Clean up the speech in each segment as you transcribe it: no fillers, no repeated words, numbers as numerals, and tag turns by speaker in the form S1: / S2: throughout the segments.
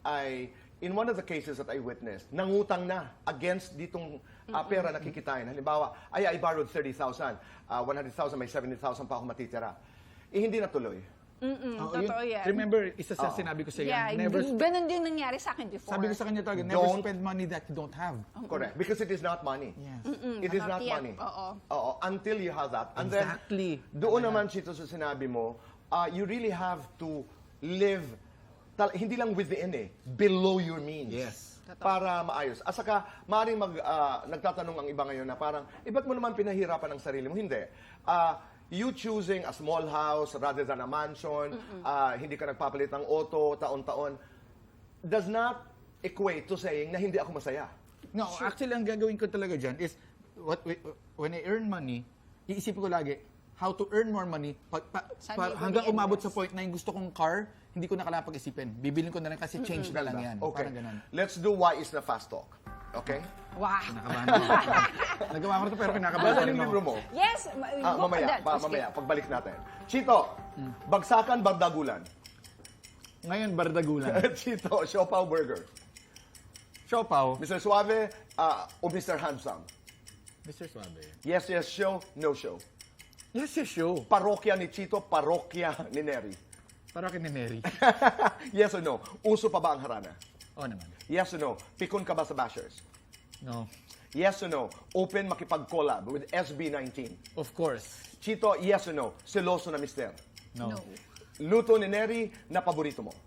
S1: in one of the cases that I witnessed, nangutang na against ditong pera na kikitain. Halimbawa, I borrowed 30,000, 100,000, may 70,000 pa ako matitira. Hindi natuloy.
S2: Totoo yan.
S3: Remember, isa sa sinabi ko sa iyo,
S2: ganun din nangyari sa akin before.
S3: sabi ko sa kanya talaga, never spend money that you don't have.
S1: Correct. Because it is not money.
S3: Yes.
S1: It is not
S2: yet.
S1: money.
S2: Oo.
S1: Until you have that. And
S3: Exactly.
S1: then, doon naman, Chito, sa sinabi mo, you really have to live, hindi lang within below your means.
S3: Yes.
S1: Para maayos. At saka, maaaring nagtatanong ang iba ngayon na parang, ba't mo naman pinahirapan ang sarili mo? Hindi. You choosing a small house rather than a mansion, hindi ka nagpapalit ng auto, taon-taon, does not equate to saying na hindi ako masaya.
S3: No, actually, ang gagawin ko talaga dyan is, when I earn money, iisipin ko lagi, how to earn more money, hanggang umabot sa point na yung gusto kong car, hindi ko na kailangan pag-isipin. Bibilin ko na lang kasi change na lang yan.
S1: Okay.
S3: Parang ganun.
S1: Let's do why is the fast talk. Okay?
S2: Wow.
S3: Kinakabahan ako. Nagawa ko na ito pero kinakabahan
S1: Basta
S3: rin
S1: yung
S3: ako.
S1: libro mo.
S2: Yes,
S1: Mamaya, pagbalik natin. Chito, bagsakan, bardagulan.
S3: Ngayon, bardagulan.
S1: Chito, siopaw burger.
S3: Siopaw.
S1: Mr. Suave o Mr. Handsome.
S3: Mr. Suave.
S1: Yes, show, no show.
S3: Yes, yes, show.
S1: Parokya ni Chito, parokya ni Neri.
S3: Para kay ni Mary.
S1: Yes or no? Uso pa ba ang harana?
S3: Oo naman.
S1: Yes or no? Pikon ka ba sa bashers?
S3: No.
S1: Yes or no? Open makipag-collab with SB19.
S3: Of course.
S1: Chito, yes or no? Seloso na mister.
S3: No.
S1: Luto ni Neri na paborito mo.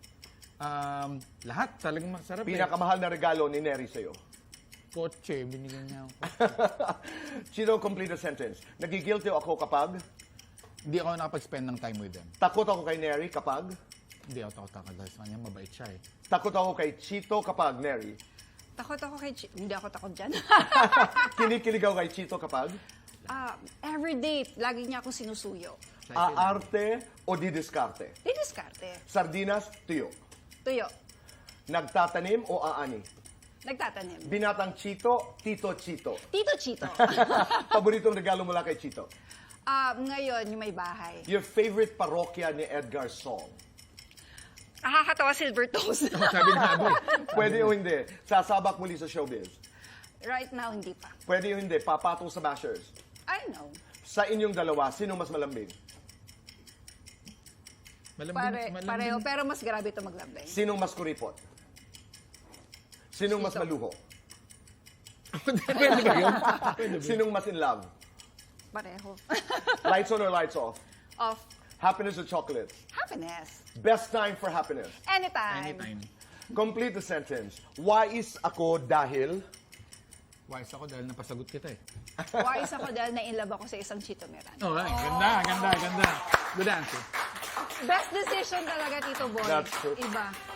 S3: Lahat talagang masarap
S1: Pinakamahal na regalo ni Neri sa'yo.
S3: Kotse, binigyan niya ako.
S1: Chito, complete the sentence. Nagigilty ako kapag
S3: Hindi ako nakapag-spend ng time with them.
S1: takot ako kay Neri kapag
S3: Hindi ako takot dahil sa kanya, mabait siya eh.
S1: takot ako kay Chito kapag Neri.
S2: Takot ako kay Hindi ako takot dyan.
S1: Kinikilig ako kay Chito kapag
S2: Every date, lagi niya ako sinusuyo.
S1: aarte o didiskarte.
S2: Didiskarte.
S1: Sardinas, tuyo.
S2: Tuyo.
S1: Nagtatanim o aani.
S2: Nagtatanim.
S1: Binatang Chito, Tito Chito.
S2: Tito Chito.
S1: Paboritong regalo mula kay Chito.
S2: Ngayon, yung may bahay.
S1: Your favorite parokya ni Edgar Song.
S2: Nakakatawa silver toes.
S3: Sabi na ako eh.
S1: Pwede o hindi. Sasabak muli sa showbiz.
S2: Right now, hindi pa.
S1: Pwede o hindi. Papatong sa bashers.
S2: I know.
S1: Sa inyong dalawa, sino mas malambing?
S2: Pareho, pero mas grabe ito maglambing.
S1: Sinong mas kuripot? Sinong mas
S2: Sito.
S1: maluho?
S3: Pwede ba yun?
S1: Sinong mas in love?
S2: Pareho.
S1: Lights on or lights off?
S2: Of
S1: Happiness or chocolates?
S2: happiness.
S1: Best time for happiness.
S2: Anytime.
S3: Anytime.
S1: Complete the sentence. Wise ako dahil...
S3: Wise ako dahil napasagot kita eh.
S2: Wise ako dahil na-inlove ako sa isang Chito Meran.
S3: Alright, ganda. Good answer.
S2: Best decision talaga, Tito Boy.
S1: That's true.
S2: Iba.